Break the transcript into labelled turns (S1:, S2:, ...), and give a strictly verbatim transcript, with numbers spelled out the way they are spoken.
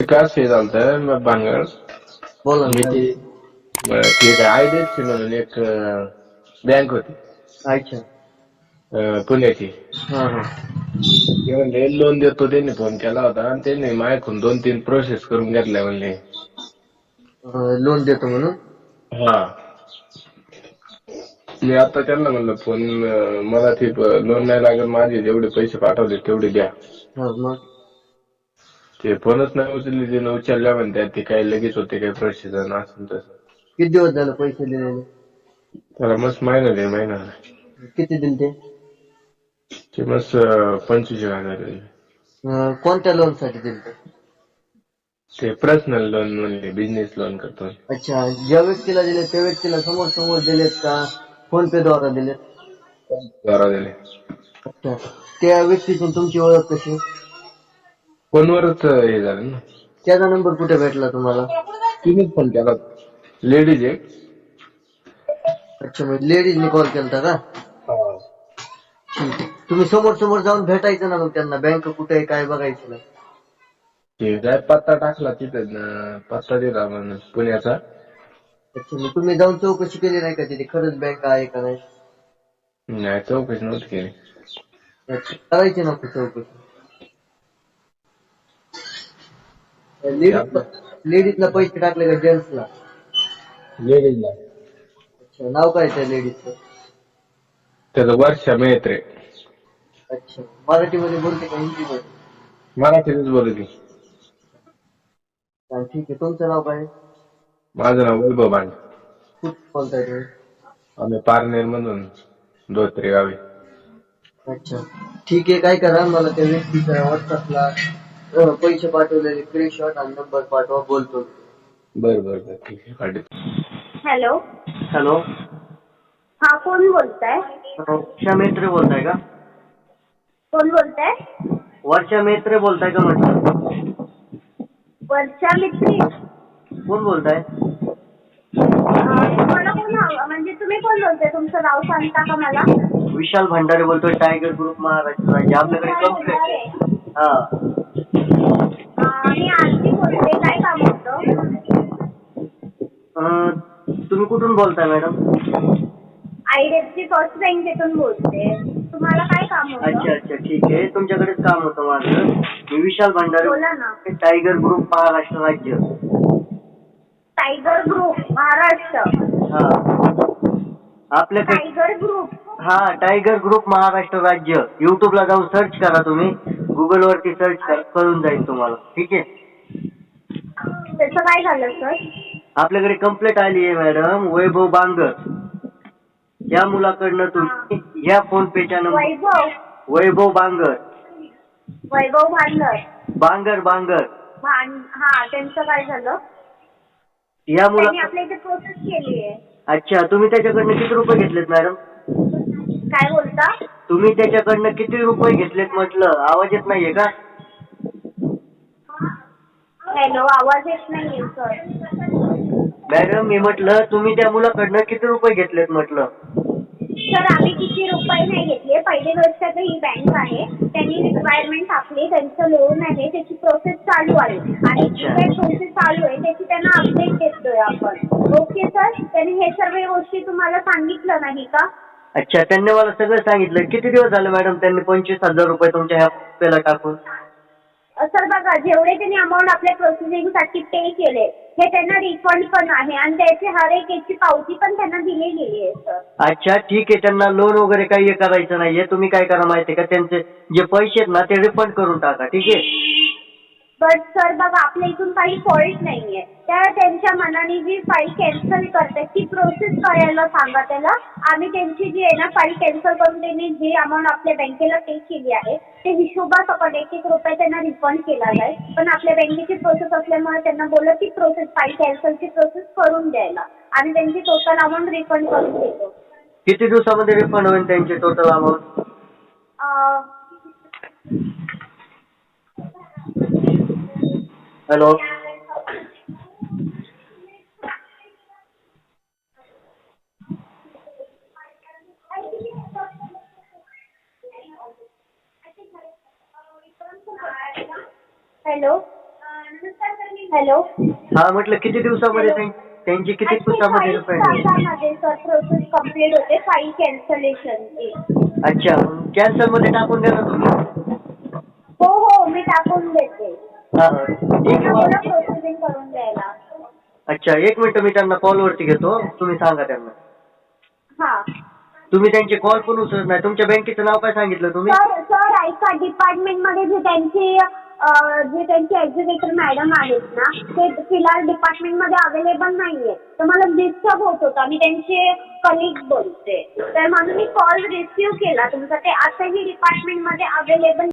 S1: विकास हे झालतं मग भानगड
S2: बोला
S1: मी
S2: ना.
S1: ते ती एक आयडीएफसी म्हणून एक बँक होती
S2: अच्छा.
S1: अं, पुण्याची.
S2: हा हा.
S1: ते म्हणले लोन देतो, त्यांनी फोन केला होता आणि त्यांनी माझ्याकडून दोन तीन प्रोसेस करून घेतल्या म्हणले.
S2: लोन देतो म्हणून.
S1: हा, मी आता त्यांना म्हणलं फोन मला ते लोन नाही लागत, माझे जेवढे पैसे पाठवले तेवढे द्या.
S2: हा मग.
S1: ते फोनच नाही उचलले, ते उचलल्या म्हणतात ते काही लगेच होते काही प्रोसिजर असं तसं.
S2: किती दिवस झालं पैसे दिलेले?
S1: त्याला मस्त महिना दे महिना
S2: किती दिले ते?
S1: ते मस्त पंचवीस हजार दिले.
S2: अं, कोणत्या लोन साठी दिले ते?
S1: ते पर्सनल लोन म्हणले, बिझनेस लोन करतो.
S2: अच्छा, ज्या व्यक्तीला दिले त्या व्यक्तीला समोर समोर दिलेत का फोन पे द्वारा दिलेत?
S1: द्वारा दिले.
S2: अच्छा, त्या व्यक्तीची तुमची ओळख कशी?
S1: फोनवरच हे झालं ना.
S2: त्याचा नंबर कुठे भेटला तुम्हाला?
S1: तुम्हीच फोन केला, लेडीज एक.
S2: अच्छा, मग लेडीजने कॉल केलता का? ठीक आहे. तुम्ही समोर समोर जाऊन भेटायचं ना मग त्यांना, बँक कुठे आहे काय बघायचं ना.
S1: ते काय पत्ता टाकला तिथे, पत्ता दिला म्हणून पुण्याचा.
S2: अच्छा, मग तुम्ही जाऊन चौकशी केली नाही का तिथे खरंच बँक आहे का नाही?
S1: नाही, चौकशी नव्हती केली.
S2: अच्छा, करायची ना चौकशी.
S1: ते
S2: लेडीज
S1: आपलं
S2: लेडीजला पैसे टाकले का जेंट्सला?
S1: लेडीजला.
S2: अच्छा, नाव काय त्या लेडीजचं?
S1: त्याचं वर्षा मेत्रे.
S2: अच्छा, मराठीमध्ये बोलते का हिंदीमध्ये?
S1: मराठीतच बोलत.
S2: हा, ठीक आहे. तुमचं नाव काय?
S1: माझं नाव वैभव भांड.
S2: कुठं बोलताय तुम्ही?
S1: आम्ही पारनेर मधून धोत्रे गावी.
S2: अच्छा, ठीक आहे. काय करा, मला त्या व्यक्तीच्या व्हॉट्सअपला पैसे पाठवलेले स्क्रीनशॉट आणि नंबर पाठवा, बोलतो.
S1: बर बर बर ठीक आहे, पाठवतो.
S3: हॅलो.
S2: हॅलो.
S3: हा, कोण बोलताय?
S2: वर्षा मेत्रे बोलताय का?
S3: कोण बोलताय?
S2: वर्षा मेत्रे बोलताय का म्हटलं?
S3: वर्षा मित्री.
S2: कोण बोलताय?
S3: तुम्हाला कोण हवं, म्हणजे तुम्ही कोण बोलताय? तुमचं नाव सांगता का मला?
S2: विशाल भंडारे बोलतोय, टायगर ग्रुप महाराष्ट्र राज्य. आपल्याकडे
S3: विशाल
S2: कंप्लेंट.
S3: भंडारे.
S2: हा.
S3: अं, मी आरती बोलते. काय काम होतं?
S2: अं, तुम्ही कुठून बोलताय मॅडम?
S3: आयडीएफसी फर्स्ट बँकेतून बोलते. तुम्हाला काय काम होतं?
S2: अच्छा अच्छा, ठीक आहे. तुमच्याकडेच काम होतं माझं. मी विशाल भंडारे,
S3: बोला ना.
S2: टायगर ग्रुप महाराष्ट्र राज्य.
S3: Tiger group Maharashtra.
S2: हा, आपल्याकडे
S3: टायगर ग्रुप.
S2: हा, टायगर ग्रुप महाराष्ट्र राज्य. युट्यूबला जाऊन सर्च करा, तुम्ही गुगल वरती सर्च करा, कळून जाईल तुम्हाला. ठीक आहे.
S3: त्याचं काय झालं सर?
S2: आपल्याकडे कंप्लेंट आली आहे मॅडम, वैभव बांगर या मुलाकडनं तुम्ही या फोन पेच्या नंबर.
S3: वैभव.
S2: वैभव बांगर.
S3: वैभव भांडर.
S2: बांगर बांगर.
S3: भांड हा, त्यांचं काय झालं?
S2: या मुला
S3: त्यांनी आपल्या इथे प्रोसेस केली आहे.
S2: अच्छा, तुम्ही त्याच्याकडनं किती रुपये घेतलेत मॅडम?
S3: काय बोलता?
S2: तुम्ही त्याच्याकडनं किती रुपये घेतलेत म्हटलं? आवाज येत नाहीये का?
S3: हॅलो, आवाज येत नाहीये सर.
S2: मॅडम, मी म्हटलं तुम्ही त्या मुलाकडनं किती रुपये घेतलेत म्हटलं?
S3: सर, आम्ही किती रुपये नाही घेतले. पहिली गोष्ट तर ही बँक आहे, त्यांनी रिक्वायरमेंट टाकली, त्यांचं लोन आहे, त्याची प्रोसेस चालू आहे आणि जी काही प्रोसेस चालू आहे त्याची त्यांना अपडेट देतोय आपण. ओके सर, त्यांनी हे सर्व गोष्टी तुम्हाला सांगितलं नाही का?
S2: अच्छा, त्यांनी मला सगळं सांगितलं. किती दिवस झाले मॅडम त्यांनी पंचवीस हजार रुपये तुमच्या ह्या पेला टाकून?
S3: सर बघा, जेवढे त्यांनी अमाऊंट आपल्या प्रोसेसिंगसाठी पे केले हे त्यांना रिफंड पण आहे आणि त्याची हर एक याची पावती पण त्यांना दिली गेली आहे सर.
S2: अच्छा, ठीक आहे. त्यांना लोन वगैरे काही करायचं नाहीये. तुम्ही काय करा माहितीये का, त्यांचे जे पैसे आहेत ना ते रिफंड करून टाका. ठीक आहे.
S3: बट सर बघा, आपल्या इथून काही फॉल्ट नाहीये. त्या त्यांच्या मनाने जी फाईल कॅन्सल करते ती प्रोसेस करायला सांगा त्याला. आम्ही त्यांची जी आहे ना फाईल कॅन्सल करून त्यांनी जी अमाऊंट आपल्या बँकेला पे केली आहे ते हिशोबासकट एक एक रुपये त्यांना रिफंड केला जाईल. पण आपल्या बँकेची प्रोसेस असल्यामुळे त्यांना बोललं की प्रोसेस फाईल कॅन्सलची प्रोसेस करून द्यायला आणि त्यांची टोटल अमाऊंट रिफंड करून देतो.
S2: किती दिवसामध्ये रिफंड होईल त्यांची total amount? Hello.
S3: Hello. Hello.
S2: हा म्हटलं किती दिवसामध्ये त्यां- त्यांची किती दिवसामध्ये
S3: फाईल
S2: फाईल
S3: तासामध्ये सर प्रोसेस कम्प्लीट होते फाईल कॅन्सलेशनची.
S2: अच्छा कॅन्सल मध्ये टाकून द्या ना तुम्ही.
S3: हो हो मी टाकून देते.
S2: हा हा ठीक आहे
S3: मला
S2: मग.
S3: प्रोसेसिंग करून द्यायला.
S2: अच्छा एक मिनिट मी त्यांना कॉलवरती घेतो तुम्ही सांगा त्यांना.
S3: हा.
S2: तुम्ही त्यांचे कॉल पण उचलत नाही. तुमच्या बँकेचं नाव काय सांगितलं तुम्ही?
S3: सर सर ऐका डिपार्टमेंटमध्ये जे त्यांची अं, जे त्यांचे एक्झिक्युटिव्ह मॅडम आहेत ना ते फिलहाल डिपार्टमेंटमध्ये अवेलेबल नाहीये तर मला डिस्टर्ब होत होता. मी त्यांचे कलिग बोलते तर म्हणून मी कॉल रिसिव्ह केला तुमचा. ते आताही डिपार्टमेंटमध्ये अवेलेबल